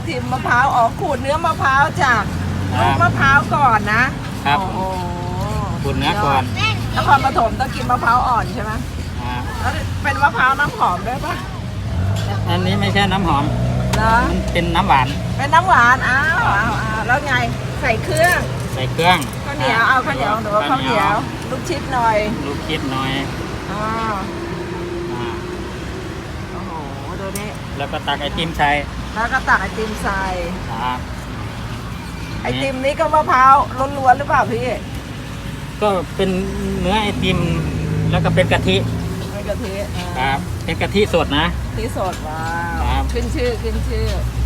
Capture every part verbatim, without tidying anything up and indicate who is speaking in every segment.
Speaker 1: ติมมะพร้าวอ๋อขูดเนื้อมะพร้าวจากลูกมะพร้าวก่อนนะครับโอ้โห
Speaker 2: ขูดเนื้อก่อน
Speaker 1: นครปฐมต้องกินมะพร้าวอ่อนใช่ไหม
Speaker 2: อ่า
Speaker 1: แล้วเป็นมะพร้าวน้ำหอมด้วยปะ
Speaker 2: อันนี้ไม่ใช่น้ำหอม
Speaker 1: เหรอ
Speaker 2: มันเป็นน้ำหวาน
Speaker 1: เป็นน้ำหวานอ้าวอ้าวอ้าวแล้วไงใส่เครื่อง
Speaker 2: ใส่เครื่อง
Speaker 1: ข้าวเหนียวเอาข้าวเหนียวหรือว่าข้าวเหนียวลูกชิดหน่อย
Speaker 2: ลูกคิดหน่อย
Speaker 1: อ๋อ
Speaker 2: อ่า
Speaker 1: โอ้โหดูนี่
Speaker 2: แล้วก็ตักไอติมใส่
Speaker 1: แล้วก็ตักไอติมใส่
Speaker 2: ครับ
Speaker 1: ไอติมนี้ก็มะพร้าวล้วนๆหรือเปล่าพี่
Speaker 2: ก็เป็นเนื้อไอติมแล้วก็เป็นกะทิ
Speaker 1: ไม่กะทิ
Speaker 2: ครับเป็นกะทิสดนะ
Speaker 1: ที่สดว้า
Speaker 2: ครั
Speaker 1: ว
Speaker 2: บ
Speaker 1: ขึ้นชื่อขึ้นชื่อ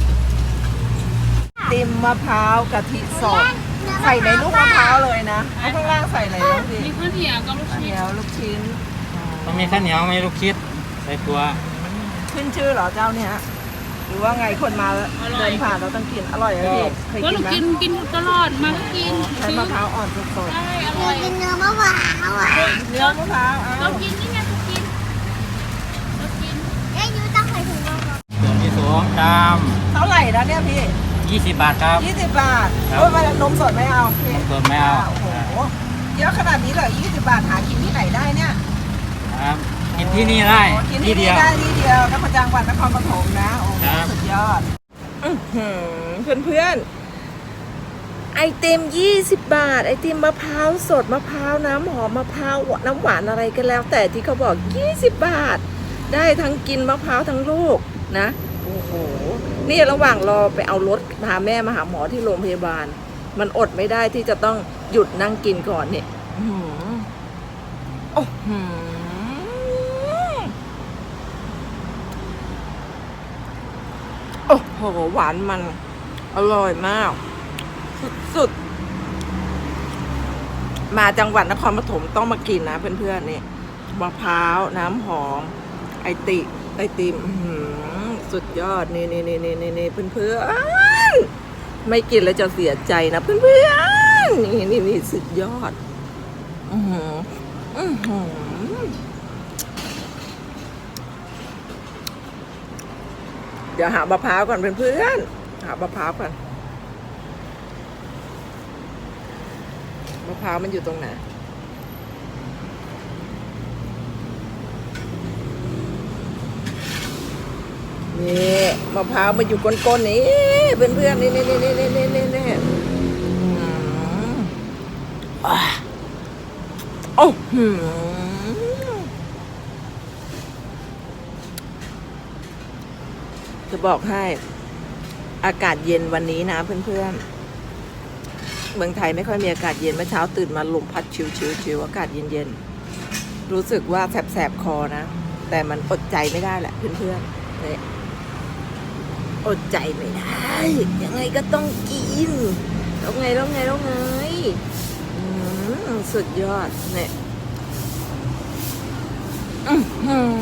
Speaker 1: ติมมะพร้าวกะทิสดใส่ในลูกมะพร้าวเลยนะแล้วข้างล่างใส่อะไรบ้างพี่
Speaker 3: มีข้าวเหนียวกับลูก
Speaker 1: ข้าวเห
Speaker 3: ชิ้
Speaker 1: นี
Speaker 3: น
Speaker 1: ยวลูกชิ้น
Speaker 2: ต้องมีข้าวเหนียวมีลูกคิดใส่ตัว
Speaker 1: ขึ้นชื่อเหรอเจ้าเนี่ยหรือว่าไงคนมาเดินผ่านเราต้องกินอร่อยอะพี่เคย
Speaker 3: ก็
Speaker 1: กิ
Speaker 3: หนู
Speaker 1: นไหม
Speaker 3: กินกินตลอดมาก็กิน
Speaker 1: ใช้มะพร้าวอ่อนสด
Speaker 3: ใช่อ
Speaker 4: หนู
Speaker 3: ร่อย
Speaker 4: กินเนื้อมะพร้าวอ่ะ
Speaker 1: ๆเนื้อมะพร้าว
Speaker 3: เรา
Speaker 1: เอา
Speaker 3: กินนี่ไงเรากินเรากิน
Speaker 4: เอ้ยยูต้องใส่ถุงมือก่อน
Speaker 2: ส่วนที่สองจาม
Speaker 1: เท่าไหร่นะเนี่ยพี่
Speaker 2: ยี่สิบบาทครับ
Speaker 1: ยี่สิบบาท
Speaker 2: ครับ
Speaker 1: โอ้ยมานมสดไม่เอาพี่
Speaker 2: นมสดไม่เอา
Speaker 1: โอ้โหเยอะขนาดนี้เลยยี่สิบบาทหากินที่ไหนได้เนี่ย
Speaker 2: ครับกินที่นี่ได้
Speaker 1: โอ้กิน
Speaker 2: ที่
Speaker 1: ที่
Speaker 2: เดี
Speaker 1: นี่
Speaker 2: ยว
Speaker 1: ได้ที่เดียวนครจังหวัดนครปฐมนะโอ้โห
Speaker 2: ครับ
Speaker 1: สุดยอดเพื่อนเพื่อนๆไอติมยี่สิบบาท ไอติมมะพร้าวสดมะพร้าวน้ำหอมมะพร้าวน้ำหวานอะไรกันแล้ว แต่ที่เขาบอกยี่สิบบาท ได้ทั้งกินมะพร้าวทั้งลูกนะโอ้โหนี่ระหว่างรอไปเอารถพาแม่มาหาหมอที่โรงพยาบาล มันอดไม่ได้ที่จะต้องหยุดนั่งกินก่อนเนี่ยอื้อหือโอ้โหโอ้โหหวานมันอร่อยมาก สุดๆมาจังหวัดนครปฐมต้องมากินนะเพื่อนๆนี่มะพร้าวน้ำหอมไอติไอติมอื้อหือสุดยอดนี่นี่นี่นี่นี่นี่เพื่อนๆไม่กินแล้วจะเสียใจนะเพื่อนๆนี่นี่นี่สุดยอดอือหืออือหือเดี๋ยวหามะพร้าวก่อนเพื่อนๆหามะพร้าวก่อนมะพร้าวมันอยู่ตรงไหนนี่มะพร้าวมันอยู่ก้นๆนี่เพื่อนๆนี่นี่นี่นี่นี่นี่นี่โอ้โหจะบอกให้อากาศเย็นวันนี้นะเพื่อนๆเมืองไทยไม่ค่อยมีอากาศเย็นเมื่อเช้าตื่นมาลมพัดชิวๆๆอากาศเย็นๆรู้สึกว่าแสบๆคอนะแต่มันอดใจไม่ได้แหละเพื่อนๆเนี่ยอดใจไม่ได้ยังไงก็ต้องกินแล้วไงแล้วไงแล้วไงอืมสุดยอดเนี่ยอื้อหือ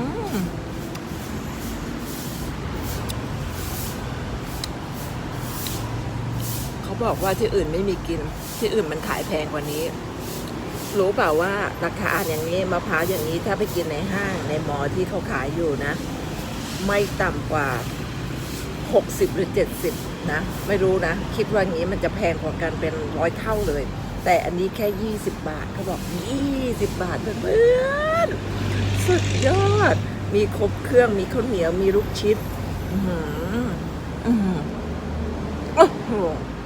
Speaker 1: เขาบอกว่าที่อื่นไม่มีกินที่อื่นมันขายแพงกว่านี้รู้เปล่าว่าราคาอย่างนี้มะพร้าวอย่างนี้ถ้าไปกินในห้างในมอที่เขาขายอยู่นะไม่ต่ำกว่าหกสิบหรือเจ็ดสิบนะไม่รู้นะคิดว่างี้มันจะแพงกว่ากันเป็นร้อยเท่าเลยแต่อันนี้แค่ยี่สิบบาทเขาบอกยี่สิบบาทเพื่อนๆสุดยอดมีครบเครื่องมีข้าวเหนียวมีลูกชิดอื้อหืออื้อหือโอ้โห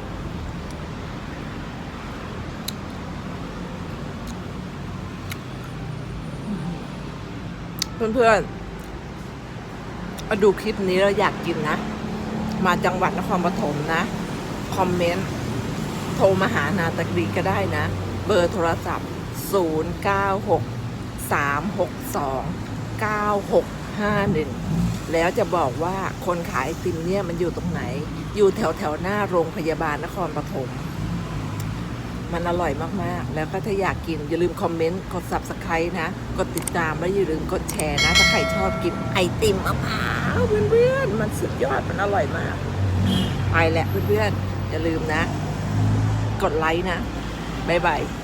Speaker 1: เพื่อนๆมาดูคลิปนี้แล้วอยากกินนะมาจังหวัดนครปฐมนะคอมเมนต์โทรมาหานาตะกรีก็ได้นะเบอร์โทรศัพท์ศูนย์ เก้า หก สาม หก สอง เก้า หก ห้า หนึ่งแล้วจะบอกว่าคนขายไอติมเนี่ยมันอยู่ตรงไหนอยู่แถวแถวหน้าโรงพยาบาลนครปฐมมันอร่อยมากๆแล้วก็ถ้าอยากกินอย่าลืมคอมเมนต์กด ซับสไครบ์ นะกดติดตามแล้วอย่าลืมกดแชร์นะถ้าใครชอบกินไอติมมะพร้าวเพื่อนๆมันสุดยอดมันอร่อยมากไปแหละเพื่อนๆอย่าลืมนะกดไลค์นะบ๊ายบาย